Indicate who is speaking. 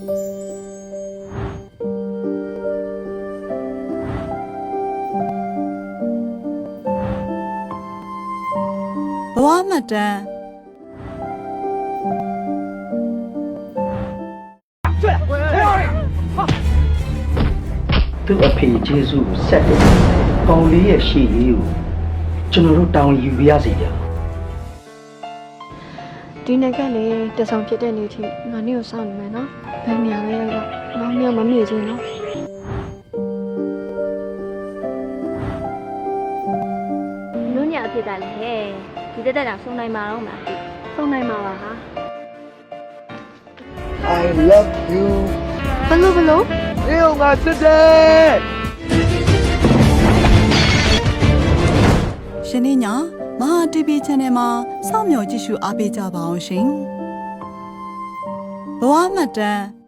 Speaker 1: ဘဝမှတ်တမ်း
Speaker 2: သူ့အဖေကျေးဇူးကိုဆက်တယ်။ပေါင်လေးရဲ့ရှေ့ရေးကိုကျွန်တော်တို့တောင်းယူပြရစီဗျာ။
Speaker 3: ဒီနေ့ကလေတဆောင်ဖြစ်တဲ့နေ့ထိငါနေ့ကိုစောင့်နေမယ်နော်ဘယ်နေရာလဲတော့မောင်မြောင်မမေ့ချင်နော်
Speaker 4: နုညအဖြစ်ကလည်းဟဲ့ဒီတက်တက်တောင်ဆုံးနိုင်မှာတော့မလား
Speaker 3: ဆုံးနိုင်မှာပါဟာ
Speaker 5: I love you
Speaker 3: ဘလို့
Speaker 5: အေးငါစစ်တယ်
Speaker 1: ရှင်နေ့ညမဟာ TV Channel မှာစောင့်မျှော်ကြည့်ရှုအားပေးကြပါအောင်ရှင်ဘဝမှတ်တမ်း